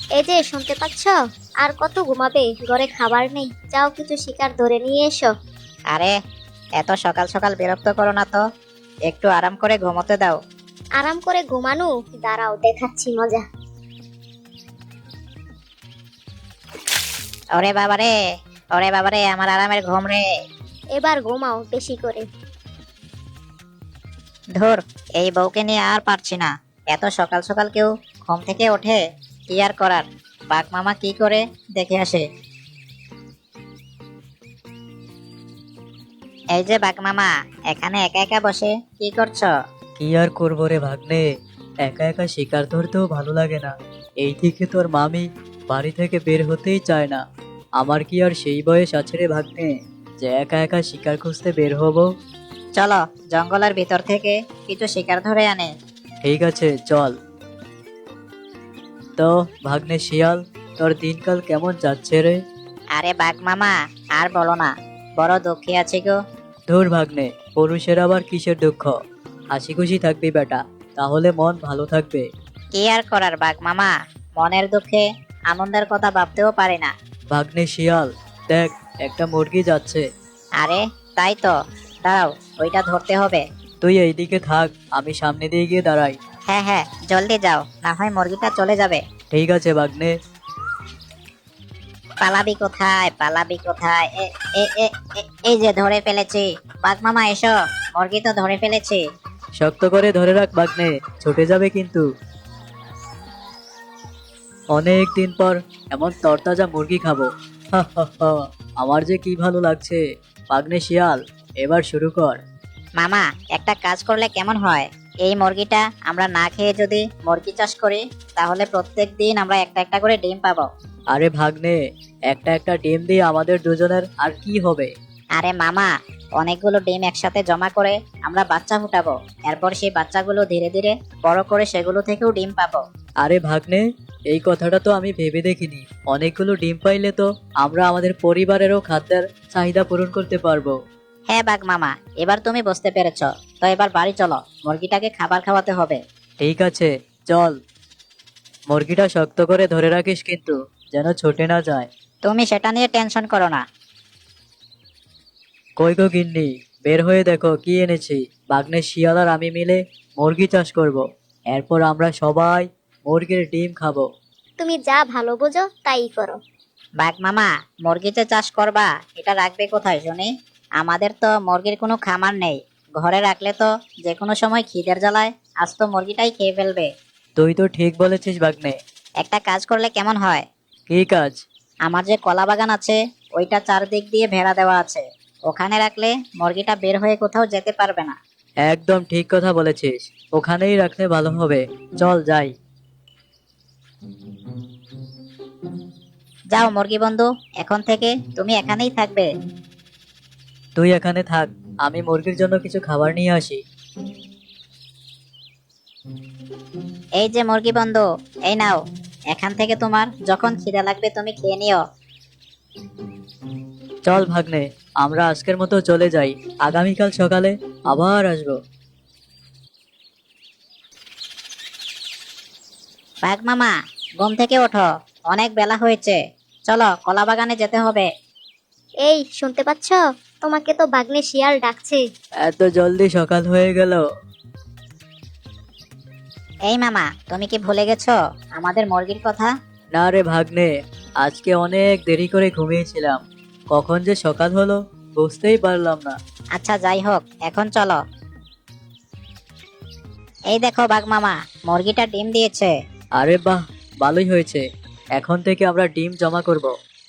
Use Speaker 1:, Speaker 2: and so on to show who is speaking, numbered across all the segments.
Speaker 1: এই যে শুনতে পাচ্ছ? আর কত ঘুমাবে? ঘরে খাবার নেই, যাও কিছু শিকার ধরে নিয়ে এসো।
Speaker 2: আরে, এত সকাল সকাল বিরক্ত করো না তো, একটু আরাম করে ঘুমোতে দাও।
Speaker 1: আরাম করে ঘুমানো? দাঁড়াও দেখাচ্ছি মজা।
Speaker 2: ওরে বাবারে, ওরে বাবারে, আমার আরামের ঘুম রে।
Speaker 1: এবার ঘুমাও বেশি করে।
Speaker 2: ধুর, এই বউকে নিয়ে আর পারছি না। এত সকাল সকাল কেউ ঘুম থেকে ওঠে? কি আর করার, বাঘ মামা কি করে দেখে আসে। এই যে বাঘ মামা, এখানে একা একা বসে কি করছো?
Speaker 3: কি আর করবো রে ভাগ্নে, একা একা শিকার ধরতেও ভালো লাগে না। এই থেকে তোর মামি বাড়ি থেকে বের হতেই চায় না। আমার কি আর সেই বয়স আছে রে ভাগ্নে যে একা একা শিকার খুঁজতে বের হব?
Speaker 2: চলো, জঙ্গলের ভিতর থেকে কিছু শিকার ধরে আনে।
Speaker 3: ঠিক আছে চল। তো ভাগ্নে শিয়াল, তোর দিনকাল কেমন যাচ্ছে রে?
Speaker 2: আরে বাঘ মামা, আর বলো না, বড় দুঃখী আছি গো।
Speaker 3: ধুর ভাগ্নে, পুরুষের আবার কিসের দুঃখ? হাসি খুশি থাকবি বেটা, তাহলে মন ভালো থাকবে।
Speaker 2: কি আর করার বাঘ মামা, মনের দুঃখে আনন্দের কথা ভাবতেও পারি না।
Speaker 3: ভাগ্নে শিয়াল, দেখ একটা মুরগি যাচ্ছে।
Speaker 2: আরে তাই তো, দাঁড়াও, ওইটা ধরতে হবে।
Speaker 3: তুই এইদিকে থাক, আমি সামনে দিয়ে গিয়ে দাঁড়াই।
Speaker 2: হ্যাঁ হ্যাঁ, জলদি যাও, না হয় মুরগিটা চলে যাবে।
Speaker 3: ঠিক আছে ভাগ্নে।
Speaker 2: পালাবি কোথায়, পালাবি কোথায়? এ এ এ এ- এই যে ধরে ফেলেছি। বাঘ মামা এসো, মুরগি তো ধরে ফেলেছি।
Speaker 3: শক্ত করে ধরে রাখ ভাগ্নে, ছুটে যাবে কিন্তু। অনেক দিন পর এমন তরতাজা মুরগি খাবো। হা হা হা, আমার যে কি ভালো লাগছে। ভাগ্নে শিয়াল, এবার শুরু কর।
Speaker 2: মামা, একটা কাজ করলে কেমন হয়? এই মুরগিটা আমরা না খেয়ে যদি মুরগি চাষ করি, তাহলে প্রত্যেক দিন আমরা একটা একটা করে ডিম পাবো।
Speaker 3: আরে ভাগ্নে, একটা একটা ডিম দিয়ে আমাদের দুজনের আর কি হবে?
Speaker 2: আরে মামা, অনেকগুলো ডিম একসাথে জমা করে আমরা বাচ্চা ফুটাবো। এরপর সেই বাচ্চাগুলো ধীরে ধীরে বড় করে সেগুলো থেকেও ডিম পাবো।
Speaker 3: আরে ভাগ্নে, এই কথাটা তো আমি ভেবে দেখিনি। অনেকগুলো ডিম পাইলে তো আমরা আমাদের পরিবারেরও খাদ্যের চাহিদা পূরণ করতে পারবো।
Speaker 2: হ্যাঁ বাঘ মামা, এবার তুমি বুঝতে পেরেছ। তো এবার বাড়ি চলো, মুরগিটাকে খাবার খাওয়াতে হবে।
Speaker 3: ঠিক আছে চল। মুরগিটা শক্ত করে ধরে রাখিস কিন্তু, যেন ছুটে না যায়।
Speaker 2: তুমি সেটা নিয়ে টেনশন করো না।
Speaker 3: কই গো গিন্নি, বের হয়ে দেখো কি এনেছি। ভাগ্নে শিয়াল আর আমি মিলে মুরগি চাষ করব। এরপর আমরা সবাই মুরগির ডিম খাবো।
Speaker 1: তুমি যা ভালো বোঝো তাই করো।
Speaker 2: বাঘ মামা, মুরগিতে চাষ করবা, এটা রাখবে কোথায় শুনি? আমাদের তো মুরগির কোনো খামার নেই। ঘরে রাখলে তো যে কোনো সময় খিদের জ্বালায় আস্ত মুরগিটাই খেয়ে ফেলবে।
Speaker 3: তুই তো ঠিক বলেছিস ভাগ্নে।
Speaker 2: একটা কাজ করলে কেমন হয়?
Speaker 3: কি কাজ?
Speaker 2: আমার যে কলা বাগান আছে, ওইটা চারদিক দিয়ে বেড়া দেওয়া আছে। ওখানে রাখলে মুরগিটা বের হয়ে কোথাও যেতে পারবে না।
Speaker 3: একদম ঠিক কথা বলেছিস, ওখানেই রাখলে ভালো হবে। চল যাই।
Speaker 2: যাও মুরগি বন্ধু, এখন থেকে তুমি এখানেই থাকবে।
Speaker 3: তুই এখানে থাক, আমি মুরগির জন্য কিছু খাবার নিয়ে আসি।
Speaker 2: এই যে মুরগি বন্ধু, এই নাও। এখান থেকে তোমার যখন খিদে লাগবে তুমি খেয়ে নিও।
Speaker 3: চল ভাগ্নে, আমরা আজকের মতো চলে যাই। আগামীকাল সকালে আবার আসবো।
Speaker 2: বাঘ মামা, ঘুম থেকে ওঠো, অনেক বেলা হয়েছে। চলো, কলা বাগানে যেতে হবে।
Speaker 1: এই শুনতে পাচ্ছ? তোমাকে তো বাঘনে শিয়াল ডাকছে।
Speaker 3: এত জলদি সকাল হয়ে গেল?
Speaker 2: এই মামা, তুমি কি ভুলে গেছো আমাদের মুরগির কথা?
Speaker 3: না রে ভাগ্নে, আজকে অনেক দেরি করে ঘুমিয়েছিলাম। কখন যে সকাল হলো বুঝতেই পারলাম না।
Speaker 2: আচ্ছা যাই হোক, এখন চলো। এই দেখো বাঘ মামা, মুরগিটা ডিম দিয়েছে।
Speaker 3: আরে বাহ, ভালোই হয়েছে। এখন থেকে আমরা ডিম জমা করব।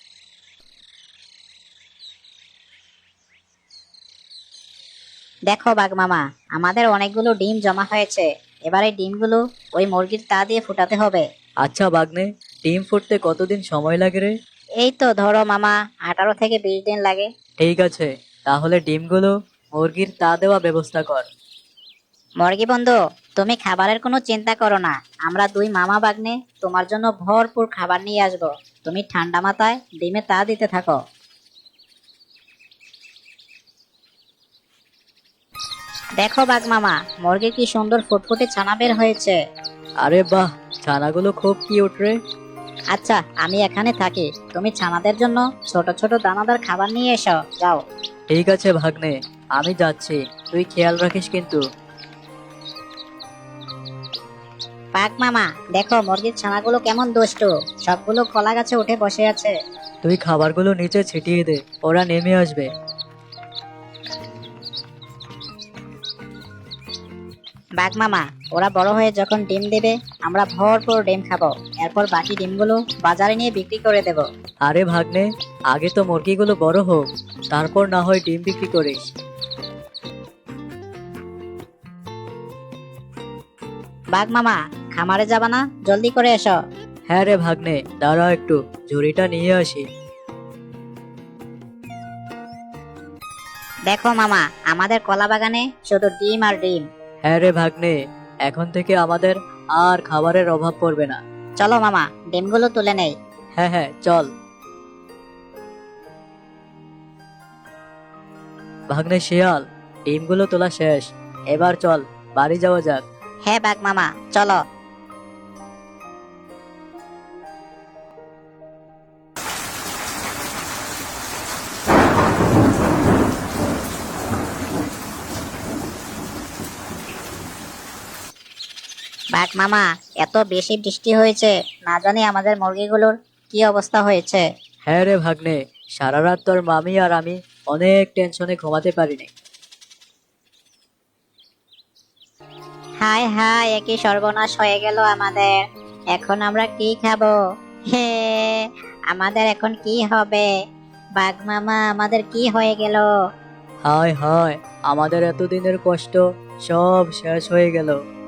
Speaker 2: দেখো বাঘ মামা, আমাদের অনেকগুলো ডিম জমা হয়েছে। এবার এই ডিমগুলো ওই মুরগির তা দিয়ে ফুটাতে হবে।
Speaker 3: আচ্ছা ভাগ্নে, ডিম ফুটতে কতদিন সময় লাগে রে?
Speaker 2: এই তো ধরো মামা, 18 থেকে 20 দিন লাগে।
Speaker 3: ঠিক আছে, তাহলে ডিমগুলো মুরগির তা দেওয়া ব্যবস্থা কর।
Speaker 2: মুরগি বন্ধু, তুমি খাবারের কোনো চিন্তা করো না। আমরা দুই মামা বাগ্নে তোমার জন্য ভরপুর খাবার নিয়ে আসবো। তুমি ঠান্ডা মাথায় ডিমে তা দিতে থাকো। দেখো বাঘ মামা, মুরগির কি সুন্দর ফুটফুটে ছানা বের হয়েছে।
Speaker 3: আরে বাহ, ছানাগুলো খুব কিউট রে।
Speaker 2: আচ্ছা আমি এখানে থাকি, তুমি ছানাদের জন্য ছোট ছোট দানাদার খাবার নিয়ে এসো, যাও।
Speaker 3: ঠিক আছে ভাগ্নে, আমি যাচ্ছি, তুই খেয়াল রাখিস কিন্তু।
Speaker 2: পাক মামা, দেখো মুরগির ছানাগুলো কেমন দুষ্টু, সবগুলো কলা গাছে উঠে বসে আছে।
Speaker 3: তুই খাবারগুলো নিচে ছিটিয়ে দে, ওরা নেমে আসবে।
Speaker 2: বাঘ মামা, ওরা বড় হয়ে যখন ডিম দেবে আমরা ভরপুর ডিম খাবো, এরপর বাকি ডিমগুলো বাজারে নিয়ে বিক্রি করে দেব।
Speaker 3: আরে ভাগ্নে, আগে তো মুরগিগুলো বড় হোক, তারপর না হয় ডিম বিক্রি করিস।
Speaker 2: বাঘ মামা, খামারে যাবা না? জলদি করে এসো।
Speaker 3: হ্যাঁ রে ভাগ্নে, দাঁড়াও একটু, ঝুড়িটা নিয়ে আসি।
Speaker 2: দেখো মামা, আমাদের কলা বাগানে শুধু ডিম আর ডিম।
Speaker 3: হ্যাঁ রে ভাগ্নে, এখন থেকে আমাদের আর খাবারের অভাব পড়বে না।
Speaker 2: চলো মামা, ডিমগুলো তুলে নেই।
Speaker 3: হ্যাঁ হ্যাঁ, চল। ভাগ্নে শিয়াল, ডিমগুলো তোলা শেষ, এবার চল বাড়ি যাওয়া যাক।
Speaker 2: হ্যাঁ বাঘ মামা, চলো। বাঘ মামা, এত বেশি বৃষ্টি হয়েছে, না জানি আমাদের মুরগিগুলোর কি অবস্থা হয়েছে।
Speaker 3: হ্যাঁ রে ভাগ্নে, সারা রাত তোর মামি আর আমি অনেক টেনশনে ঘুমাতে পারিনি।
Speaker 2: হায় হায়, একই সর্বনাশ হয়ে গেল আমাদের, এখন আমরা কি খাবো? হে, আমাদের এখন কি হবে? বাঘ মামা, আমাদের কি হয়ে গেল?
Speaker 3: হায় হায়, আমাদের এতদিনের কষ্ট সব শেষ হয়ে গেল।